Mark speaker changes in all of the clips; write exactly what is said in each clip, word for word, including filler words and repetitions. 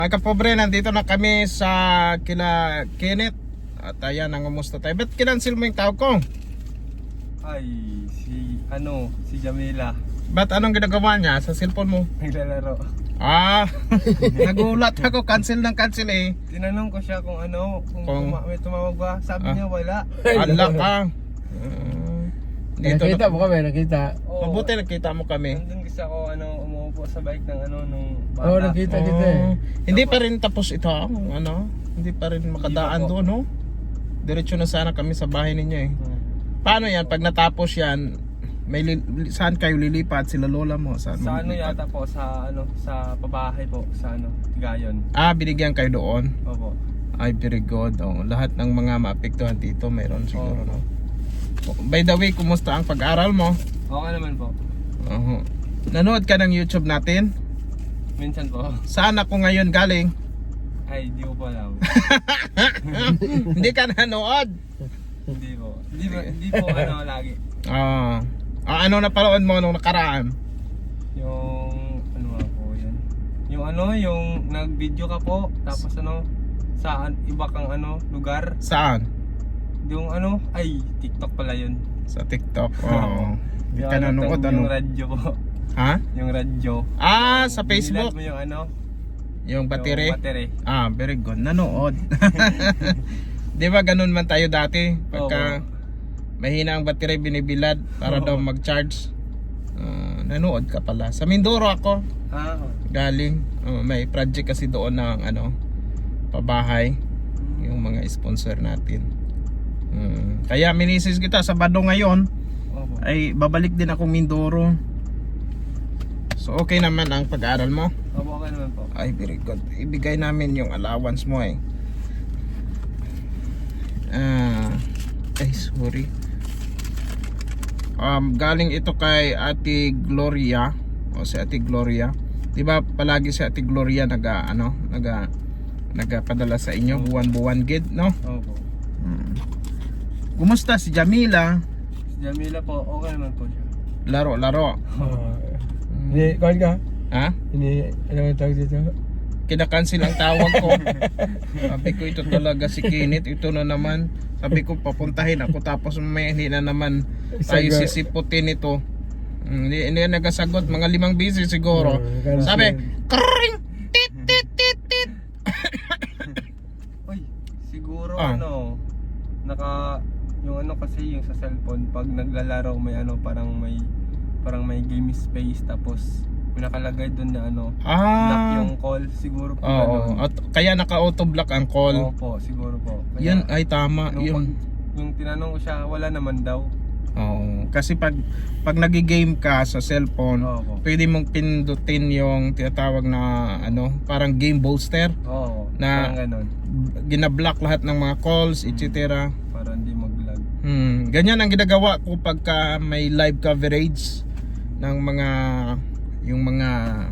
Speaker 1: Mga kapobre, nandito na kami sa kila Kenneth. At ayan, nangumusta tayo. Ba't kinancel mo yung tawag ko?
Speaker 2: Ay, si ano, si Jamila.
Speaker 1: Ba't anong ginagawa niya sa cellphone mo?
Speaker 2: Naglalaro.
Speaker 1: Ah, nagulat ako, cancel ng cancel eh.
Speaker 2: Tinanong ko siya kung ano, kung,
Speaker 1: Kung-
Speaker 2: tuma- may tumawag ba. Sabi
Speaker 1: Ah.
Speaker 2: niya wala.
Speaker 1: Ala ka. Uh, dito
Speaker 3: Nakita
Speaker 1: na.
Speaker 3: mo kami, nakita.
Speaker 2: Oo.
Speaker 1: Mabuti nakita mo kami.
Speaker 2: Nandun kasi ako ano, umuupo sa bike ng ano, nung bata.
Speaker 3: Oo, nakita kita eh.
Speaker 1: Oh, hindi pa rin tapos ito, ano? Hindi pa rin makadaan
Speaker 2: Hindi pa po.
Speaker 1: doon, no? Diretso na sana kami sa bahay ninyo eh.
Speaker 2: Hmm.
Speaker 1: Paano yan? Pag natapos yan, may li- saan kayo lilipat? Sila lola mo? Saan mo
Speaker 2: Sa ano
Speaker 1: lilipat?
Speaker 2: yata po, sa ano, sa pabahay po, sa ano, Gayon.
Speaker 1: Ah, binigyan kayo doon?
Speaker 2: Opo.
Speaker 1: Ay, very good. Oh, lahat ng mga maapektuhan dito, mayroon siguro,
Speaker 2: Oo.
Speaker 1: no? Oh, by the way, kumusta ang pag-aral mo?
Speaker 2: Okay naman po.
Speaker 1: Uh Nanood ka ng YouTube natin?
Speaker 2: Minsan po.
Speaker 1: Saan ako ngayon galing?
Speaker 2: Ay, di ko po alam.
Speaker 1: Hindi ka nanood?
Speaker 2: Hindi po. Hindi, ba- hindi po ano lagi.
Speaker 1: Ah, ah, ano na panood mo nung nakaraan?
Speaker 2: Yung ano nga po yun. Yung ano, yung nag-video ka po, tapos ano, saan iba kang ano, lugar.
Speaker 1: Saan?
Speaker 2: Yung ano, ay, TikTok pala yun.
Speaker 1: Sa TikTok. Oo. Hindi
Speaker 2: Yung
Speaker 1: ka
Speaker 2: ano,
Speaker 1: nanood,
Speaker 2: yung-
Speaker 1: ano?
Speaker 2: Yung radyo po.
Speaker 1: Ha?
Speaker 2: Yung radyo.
Speaker 1: Ah, sa Facebook?
Speaker 2: Binilad mo yung ano,
Speaker 1: Yung battery?
Speaker 2: yung battery.
Speaker 1: Ah, very good. Nanood. Di ba ganun man tayo dati? Pagka mahina ang battery, binibilad para
Speaker 2: Oo.
Speaker 1: daw mag-charge. Ah, nanood ka pala. Sa Mindoro ako
Speaker 2: Ah,
Speaker 1: galing. Oh, may project kasi doon ng ano, pabahay. Yung mga sponsor natin. Hmm. Kaya minisis kita sa Bado ngayon.
Speaker 2: opo.
Speaker 1: Ay babalik din ako Mindoro. So okay naman ang pag-aaral mo?
Speaker 2: Opo, okay naman po.
Speaker 1: Ay very good. Ibigay namin yung allowance mo eh. Ah, ay sorry. Um, galing ito kay Ate Gloria. O si Ate Gloria. 'Di ba palagi si Ate Gloria naga ano, naga nagapadala sa inyo buwan-buwan gid, no?
Speaker 2: Opo.
Speaker 1: Hmm. Kumusta si Jamila?
Speaker 2: Si Jamila po, okay naman po siya.
Speaker 1: Laro-laro.
Speaker 3: Oo. Hindi, kuhan ka?
Speaker 1: Ha?
Speaker 3: Hindi, ano ang tawag dito?
Speaker 1: Kinakancel ang tawag ko. Sabi ko ito talaga si Kenneth. Ito na naman. Sabi ko papuntahin ako tapos may hindi na naman tayo
Speaker 3: Sagot.
Speaker 1: sisiputin ito. Mm, Hindi, hindi na nagasagot. Mga limang busy siguro.
Speaker 3: Oo, cancel.
Speaker 1: Sabi, kring! Tit, tit, tit, tit.
Speaker 2: Uy, siguro
Speaker 1: Ah.
Speaker 2: ano, naka yung ano kasi yung sa cellphone pag naglalaro may ano parang may parang may game space tapos may nakalagay doon na ano block
Speaker 1: Ah,
Speaker 2: yung call siguro po
Speaker 1: oo.
Speaker 2: ganun.
Speaker 1: At kaya naka-auto block ang call.
Speaker 2: Opo, siguro po. Kaya,
Speaker 1: Yun ay tama.
Speaker 2: nung
Speaker 1: Yun.
Speaker 2: pag- yung tinanong ko siya wala naman daw.
Speaker 1: Oo. Kasi pag pag nagi-game ka sa cellphone,
Speaker 2: Opo.
Speaker 1: pwede mong pindutin yung tinatawag na ano, parang game booster.
Speaker 2: Oo,
Speaker 1: Na-
Speaker 2: parang ganun
Speaker 1: Ginablock lahat ng mga calls, et cetera.
Speaker 2: para hindi mag-lag.
Speaker 1: Hmm, ganyan ang ginagawa ko pagka may live coverage ng mga yung mga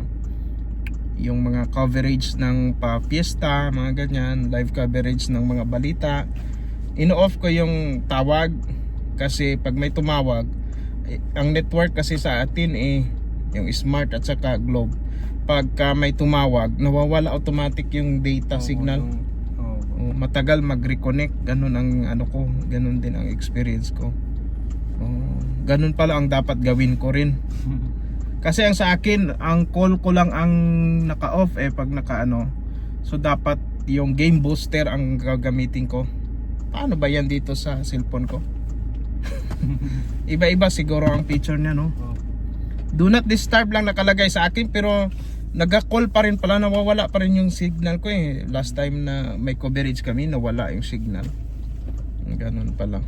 Speaker 1: yung mga coverage ng pa fiesta, mga ganyan, live coverage ng mga balita. Ino-off ko yung tawag kasi pag may tumawag, eh, ang network kasi sa atin eh yung Smart at saka Globe. Pagka may tumawag, nawawala automatic yung data
Speaker 2: Opo,
Speaker 1: signal.
Speaker 2: yung- opo.
Speaker 1: Oh, matagal mag-reconnect, ganun ang ano ko, ganun din ang experience ko. Oh, ganun pala ang dapat gawin ko rin. Kasi ang sa akin, ang call ko lang ang naka-off eh pag naka-ano. So dapat yung game booster ang gagamitin ko. Paano ba yan dito sa cellphone ko? Iba-iba siguro ang feature niya, no?
Speaker 2: Opo.
Speaker 1: Do not disturb lang nakalagay sa akin pero nagka-call pa rin pala, nawawala pa rin yung signal ko eh. Last time na may coverage kami, nawala yung signal. Ganun pala.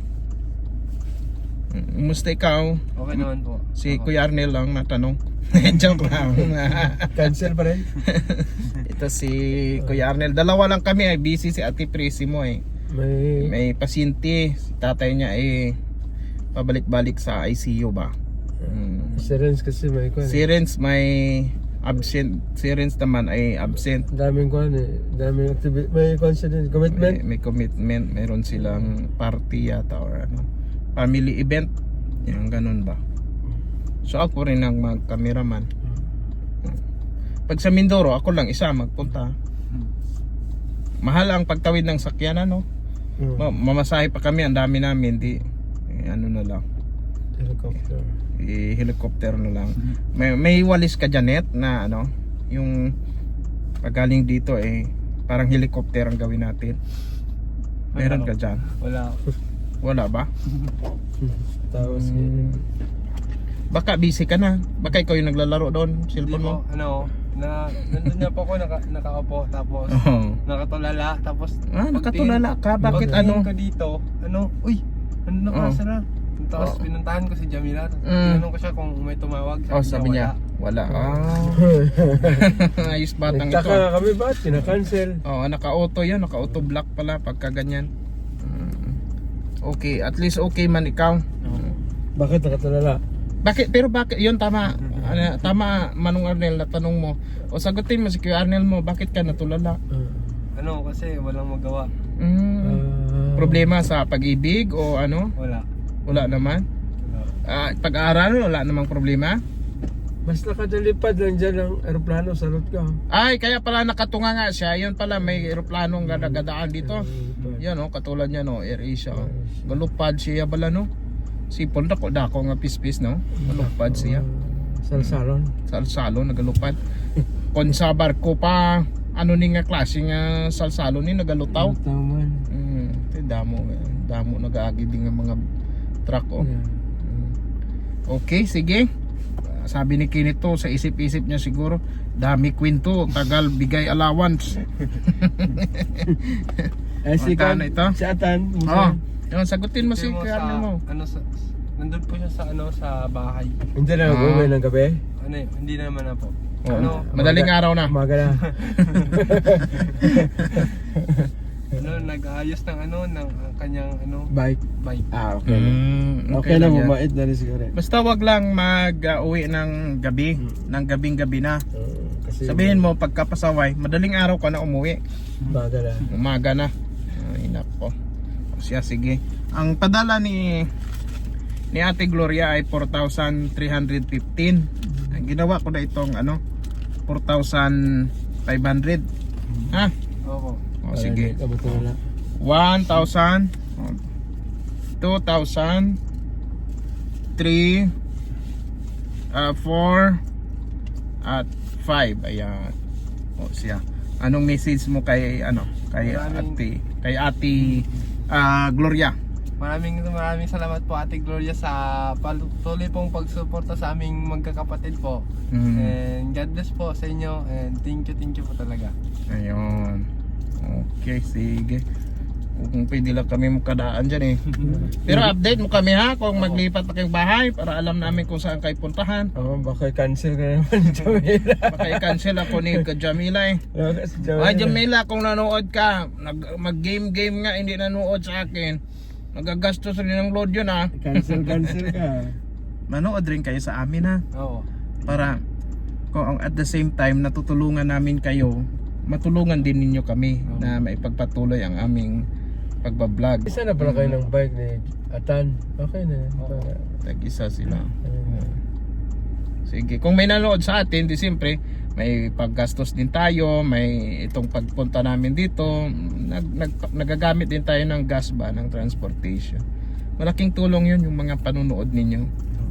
Speaker 1: Kumusta ikaw?
Speaker 2: Okay naman po.
Speaker 1: Si
Speaker 2: Opo.
Speaker 1: Kuya Arnel lang natanong. Joke lang.
Speaker 3: Cancel pa rin?
Speaker 1: Ito si Kuya Arnel. Dalawa lang kami ay busy si Ate Prissy mo eh.
Speaker 3: May...
Speaker 1: May pasyente. Si tatay niya eh pabalik-balik sa I C U ba? Hmm.
Speaker 3: Si Renz kasi may kuhan.
Speaker 1: Si Renz may absent. Si Renz naman ay absent.
Speaker 3: Daming kuhan eh. Daming activity. May kuhan siya din. Commitment.
Speaker 1: May, may commitment. Meron silang party yata or ano. Family event. Yung ganun ba? So ako rin ang mag-cameraman. Pag sa Mindoro, ako lang isa magpunta. Mahal ang pagtawid ng sakyanan, no?
Speaker 3: Mm.
Speaker 1: Ma- mamasahe pa kami, ang dami namin, di eh, ano na lang,
Speaker 3: Helicopter.
Speaker 1: i helicopter na lang. May may walis ka dyan, Net, na ano, yung pagaling dito eh parang helicopter ang gawin natin. Meron ka dyan?
Speaker 2: Wala.
Speaker 1: Wala ba?
Speaker 3: Tapos,
Speaker 1: Hmm. Baka busy ka na. Baka ikaw yung naglalaro doon,
Speaker 2: Hindi
Speaker 1: cellphone mo.
Speaker 2: po, ano, na, nandun na po ako, naka, nakaupo, tapos,
Speaker 1: Oo.
Speaker 2: nakatulala, tapos,
Speaker 1: Ah,
Speaker 2: pagtingin-
Speaker 1: nakatulala ka. Bakit
Speaker 2: pagtingin
Speaker 1: ano?
Speaker 2: ko dito, ano, uy, ano na
Speaker 1: Oh.
Speaker 2: pasa na? Tapos
Speaker 1: Oh.
Speaker 2: pinuntahan ko si Jamila, tapos
Speaker 1: Mm.
Speaker 2: tinanong ko siya kung may tumawag,
Speaker 1: Oh, sabi niya, wala. Ah. Ayos batang ito.
Speaker 3: nagtaka kami ba? Kina-cancel.
Speaker 1: Oh, naka-auto 'yan, naka-auto block pala pagka ganyan. Mm. Okay, at least okay man ikaw.
Speaker 3: Bakit nakatulala?
Speaker 1: Bakit pero bakit 'yun tama. Ano, tama Manong Arnel na tanong mo. O sagutin mo si Kuya Arnel mo, bakit ka natulala?
Speaker 2: Ano, kasi walang magawa,
Speaker 1: Mm.
Speaker 3: Ah.
Speaker 1: Problema sa pag-ibig o ano?
Speaker 2: wala.
Speaker 1: Wala naman.
Speaker 2: Wala.
Speaker 1: Ah, pag-aaral wala namang problema.
Speaker 3: Mas nakadalipad lang dyan ng aeroplano, salot ka.
Speaker 1: Ay, kaya pala nakatunga nga siya. Yun pala may eroplanong gadagadaan dito. Yan oh, katulad niya no, AirAsia. Oh. Galupad siya bala no. Sipon dako dako nga pispis no. Galupad siya.
Speaker 3: Salsalon.
Speaker 1: Salsalo nagalupad. Kon sa barko pa ano ni nga klase nga salsalo ni nagalutaw.
Speaker 3: Taman.
Speaker 1: Mm, te damo damo nagaagi din nga mga truck oh. Mm. Okay, sige. Sabi ni Kinito sa isip-isip niya siguro, dami kwento, tagal bigay allowance.
Speaker 3: Eh si
Speaker 1: Magkano
Speaker 3: Kan,
Speaker 1: ito?
Speaker 3: si Atan.
Speaker 1: Oh, yun, sagutin mo si
Speaker 2: Kasi mo
Speaker 1: Kuya
Speaker 2: sa,
Speaker 1: Arnel mo.
Speaker 2: ano, sa, nandun po siya sa, ano, sa bahay.
Speaker 3: Hindi na
Speaker 1: Ah.
Speaker 3: nag-uwi ng gabi.
Speaker 2: Ano, eh, hindi na naman na po.
Speaker 1: Oo.
Speaker 2: Ano,
Speaker 1: Madaling araw na.
Speaker 3: Umaga na.
Speaker 2: ano, nag-aayos ng ano, ng uh, kanyang, ano,
Speaker 3: Bike.
Speaker 2: bike.
Speaker 3: Ah, okay.
Speaker 1: Mm,
Speaker 3: Okay, lang,
Speaker 1: yan.
Speaker 3: mabait na rin siguro.
Speaker 1: Basta wag lang mag-uwi ng gabi, ng gabing-gabi na.
Speaker 3: Uh, kasi
Speaker 1: Sabihin mo pagkapasaway, madaling araw ka na umuwi.
Speaker 3: umaga na.
Speaker 1: Umaga na. Ay nako. O siya, sige. Ang padala ni ni Ate Gloria ay four thousand three hundred fifteen. Ang ginawa ko na itong ano four thousand five hundred. Ha?
Speaker 2: Opo.
Speaker 1: O sige.
Speaker 3: Para hindi ka matulala.
Speaker 1: one thousand, two thousand, three, uh, four, at five. Ayan. O siya. Anong message mo kay ano? Kay
Speaker 2: Maraming-
Speaker 1: Ate, kay Ate ah, Gloria.
Speaker 2: Maraming maraming salamat po Ate Gloria sa patuloy pong pagsuporta sa aming magkakapatid po.
Speaker 1: Mm.
Speaker 2: And God bless po sa inyo and thank you, thank you po talaga.
Speaker 1: Ayun. Okay, sige. Kung pwede lang kami makadaan dyan eh. Pero update mo kami ha kung maglipat na kayong bahay para alam namin kung saan kayo puntahan.
Speaker 3: Oo, baka cancel ka naman ni Jamila.
Speaker 1: Baka i-cancel ako ni Jamila eh.
Speaker 3: Baka si
Speaker 1: Ay Jamila, kung nanood ka, nag, mag-game-game nga hindi nanood sa akin. Nagagastos rin ng load yun ha.
Speaker 3: Cancel, cancel ka.
Speaker 1: Manood rin kayo sa amin ha.
Speaker 2: Oo.
Speaker 1: Para kung at the same time natutulungan namin kayo, matulungan din ninyo kami na maipagpatuloy ang aming pagbablog.
Speaker 3: Isa na pala kayo ng bike ni Atan. Okay na. Para.
Speaker 1: Tag-isa sila.
Speaker 3: Ayun.
Speaker 1: Sige, kung may nanood sa atin, di siyempre may paggastos din tayo, may itong pagpunta namin dito, nag, nag, nagagamit din tayo ng gas ba, ng transportation. Malaking tulong yun yung mga panunood ninyo.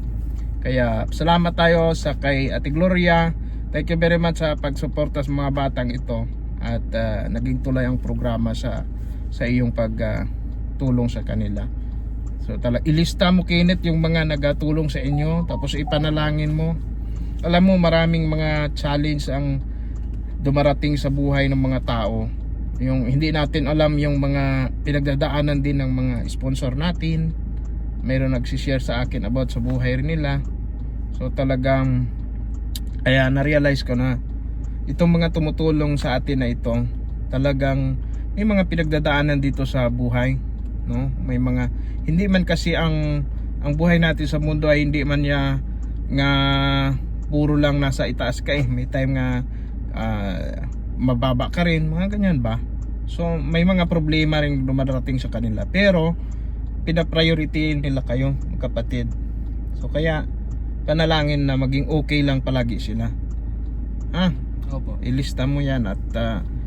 Speaker 1: Kaya salamat tayo sa kay Ate Gloria. Thank you very much sa pagsuporta sa mga batang ito. At ah, naging tulay ang programa sa sa iyong pagtulong sa kanila. So tala ilista mo Kenneth yung mga nagatulong sa inyo, tapos ipanalangin mo. Alam mo maraming mga challenge ang dumarating sa buhay ng mga tao. Yung hindi natin alam yung mga pinagdadaanan din ng mga sponsor natin. Mayroon nagsi-share sa akin about sa buhay rin nila. So talagang kaya na-realize ko na itong mga tumutulong sa atin na ito, talagang may mga pinagdadaanan dito sa buhay, no? May mga hindi man kasi ang ang buhay natin sa mundo ay hindi man ya nga puro lang nasa itaas ka eh. May time nga uh, mababa ka rin, mga ganyan ba? So may mga problema rin dumarating sa kanila. Pero pina-priority nila kayo, kapatid. So kaya panalangin na maging okay lang palagi sila. Ha?
Speaker 2: Opo.
Speaker 1: Ilista mo yan at uh,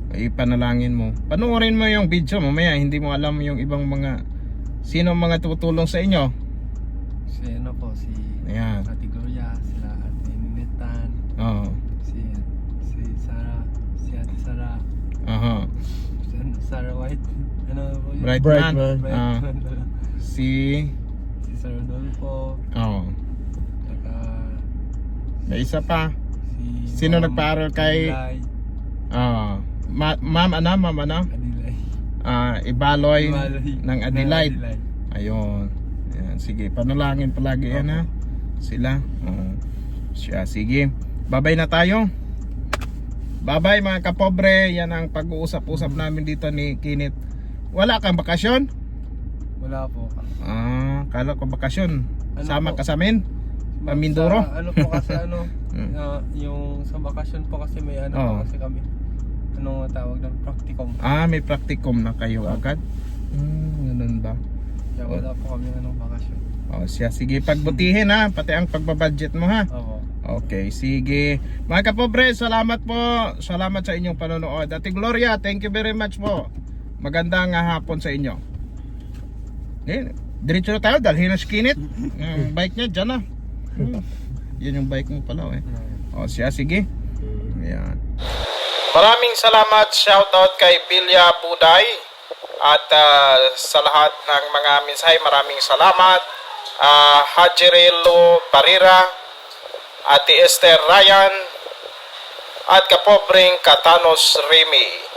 Speaker 1: Ipanalangin mo. Panoorin mo yung video mamaya, hindi mo alam yung ibang mga sino ang mga tutulong sa inyo.
Speaker 2: Si ano po, si
Speaker 1: Ayan.
Speaker 2: Ate Gloria, sila Ate Ninetan,
Speaker 1: Oo.
Speaker 2: si si Sarah, si Ate Sarah,
Speaker 1: Aha.
Speaker 2: si ano, Sarah White, ano po yun?
Speaker 1: Bright
Speaker 3: Bright
Speaker 1: man.
Speaker 3: man.
Speaker 2: Bright
Speaker 1: Ah.
Speaker 2: man pala.
Speaker 1: Si
Speaker 2: Si Sir Rodolfo,
Speaker 1: oh.
Speaker 2: saka
Speaker 1: May isa pa.
Speaker 2: si
Speaker 1: Sino
Speaker 2: Ma'am
Speaker 1: nagpaaral kay-
Speaker 2: Adilay,
Speaker 1: Ah. Ma- ma'am ano, ma'am ano?
Speaker 2: Adilay.
Speaker 1: Ah, Ibaloy
Speaker 2: Ibaloy.
Speaker 1: ng Adelaide. Ayun. Ayan, sige, panalangin palagi yan ha. Sila. Oo. Siya, sige. Babay na tayo. Babay mga kapobre. Yan ang pag-uusap-usap namin dito ni Kinit. Wala kang bakasyon?
Speaker 2: Wala po.
Speaker 1: Ah, kala ko bakasyon.
Speaker 2: Ano
Speaker 1: Sama
Speaker 2: po?
Speaker 1: ka sa amin? Pamindoro?
Speaker 2: Sa, ano po kasi ano,
Speaker 1: Hmm.
Speaker 2: ah, yung sa bakasyon po kasi may ano
Speaker 1: Oo.
Speaker 2: po kasi kami. Anong tawag ng practicum.
Speaker 1: Ah, may practicum na kayo agad? Hmm, ganun ba?
Speaker 2: Kaya wala po kami anong bakasyon.
Speaker 1: O siya, sige, pagbutihin ha. Pati ang pagbabudget mo ha.
Speaker 2: Opo.
Speaker 1: Okay, sige. Mga kapobre, salamat po. Salamat sa inyong panonood. Ate Gloria, thank you very much po. Magandang ah, hapon sa inyo. Eh, diretso na tayo, dalhin na si Kinit. Yung bike niya, dyan na. Hmm. Yun yung bike mo pala eh. O siya, sige. Ayan. Maraming salamat, shoutout kay Bilya Buday. At ah, sa lahat ng mga mensahe, maraming salamat. Uh, Hajirelo Barira, Ate Esther Ryan, at kapobreng Katanos Remy.